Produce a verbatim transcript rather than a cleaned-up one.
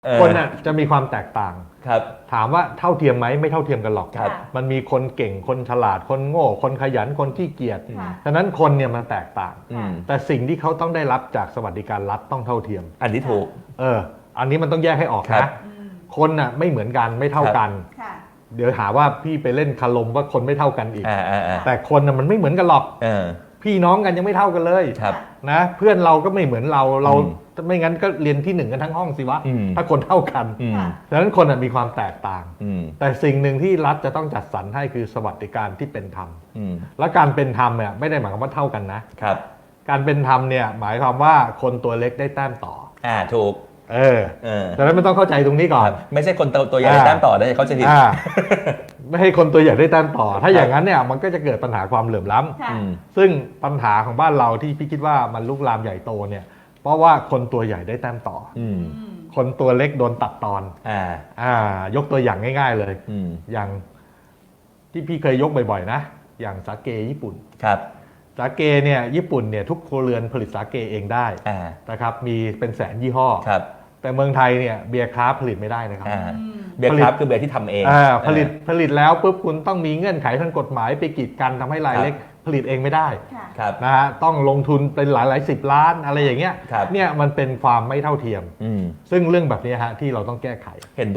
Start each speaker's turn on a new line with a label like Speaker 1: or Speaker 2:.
Speaker 1: คนน่ะจะมีความแตกต่าง
Speaker 2: ครับ
Speaker 1: ถามว่าเท่าเทียมไหมไม่เท่าเทียมกันหรอก
Speaker 2: ครับ
Speaker 1: มันมีคนเก่งคนฉลาดคนโง่คนขยันคนขี้เกียจ
Speaker 3: ค่ะ
Speaker 1: ฉะนั้นคนเนี่ยมันแตกต่าง
Speaker 2: อืม
Speaker 1: แต่สิ่งที่เขาต้องได้รับจากสวัสดิการรัฐต้องเท่าเทียม
Speaker 2: อันนี้ถูก
Speaker 1: เอออันนี้มันต้องแยกให้ออก
Speaker 2: ครั
Speaker 1: นะ
Speaker 2: บ
Speaker 3: อืม
Speaker 1: คนน่ะไม่เหมือนกันไม่เท่ากัน
Speaker 3: ค่ะ
Speaker 1: เดี๋ยวหาว่าพี่ไปเล่นคารมว่าคนไม่เท่ากันอีก
Speaker 2: อ่าอ่าอ่า
Speaker 1: แต่คนน่ะมันไม่เหมือนกันหรอก
Speaker 2: เออ
Speaker 1: พี่น้องกันยังไม่เท่ากันเลย
Speaker 2: ครับ
Speaker 1: นะเพื่อนเราก็ไม่เหมือนเราเรา
Speaker 2: อืม
Speaker 1: ไม่งั้นก็เรียนที่หนึ่งกันทั้งห้องสิวะ
Speaker 2: อืม
Speaker 1: ถ้าคนเท่ากัน
Speaker 2: อืม
Speaker 3: ค่ะ
Speaker 1: ฉะนั้นคนน่ะมีความแตกต่าง
Speaker 2: อืม
Speaker 1: แต่สิ่งหนึ่งที่รัฐจะต้องจัดสรรให้คือสวัสดิการที่เป็นธรรม
Speaker 2: อืม
Speaker 1: และการเป็นธรรมเนี่ยไม่ได้หมายความว่าเท่ากันนะครับ การเป็นธรรมเนี่ยหมายความว่าคนตัวเล็กได้แต้มต่อ
Speaker 2: อ่าถูก
Speaker 1: เออ
Speaker 2: เออ
Speaker 1: ฉะนั้นไม่ต้องเข้าใจตรงนี้ก่อน
Speaker 2: ไม่ใช่คนตัวตัวใหญ่
Speaker 1: อ่า
Speaker 2: แต้มต่อได้เขาจะผิด
Speaker 1: อ่า ไม่ให้คนตัวใหญ่ได้แต้มต่อ ถ้าอย่างนั้นเนี่ยมันก็จะเกิดปัญหาความเหลื่อมล้ำ
Speaker 3: ค่ะ
Speaker 2: อืม
Speaker 1: ซึ่งปัญหาของบ้านเราที่พี่คิดว่ามันลุกลามใหญ่โตเนี่ยเพราะว่าคนตัวใหญ่ได้แต้มต่อ
Speaker 2: อืม
Speaker 3: อืม
Speaker 1: คนตัวเล็กโดนตัดตอน
Speaker 2: อ่า
Speaker 1: อ่ายกตัวอย่างง่าย ๆเลย
Speaker 2: อืม
Speaker 1: อย่างที่พี่เคยยกบ่อยๆนะอย่างสาเกญี่ปุ่น
Speaker 2: ครับ
Speaker 1: สาเกเนี่ยญี่ปุ่นเนี่ยทุกครัวเรือนผลิตสาเกเองได้
Speaker 2: อ่า
Speaker 1: นะครับมีเป็นแสนยี่ห้อ
Speaker 2: ครับ
Speaker 1: แต่เมืองไทยเนี่ยเบียร์คราฟต์ผลิตไม่ได้นะครับ
Speaker 2: อ่า
Speaker 3: อืม
Speaker 2: เบียร์ครับคือเบียร์ที่ทำเอง
Speaker 1: อ่าผลิต
Speaker 2: เออ
Speaker 1: ผลิตแล้วปุ๊บคุณต้องมีเงื่อนไขทางกฎหมายไปกีดกันทำให้ราย
Speaker 2: ครับ
Speaker 1: เล็กผลิตเองไม่ได้
Speaker 3: ค่ะ
Speaker 2: ครับ
Speaker 1: นะฮะต้องลงทุนเป็นหลายหลายสิบล้านอะไรอย่างเงี้ย
Speaker 2: ครับ
Speaker 1: เนี่ยมันเป็นความไม่เท่าเทียม
Speaker 2: อืม
Speaker 1: ซึ่งเรื่องแบบนี้ฮะที่เราต้องแก้ไข
Speaker 2: เห็น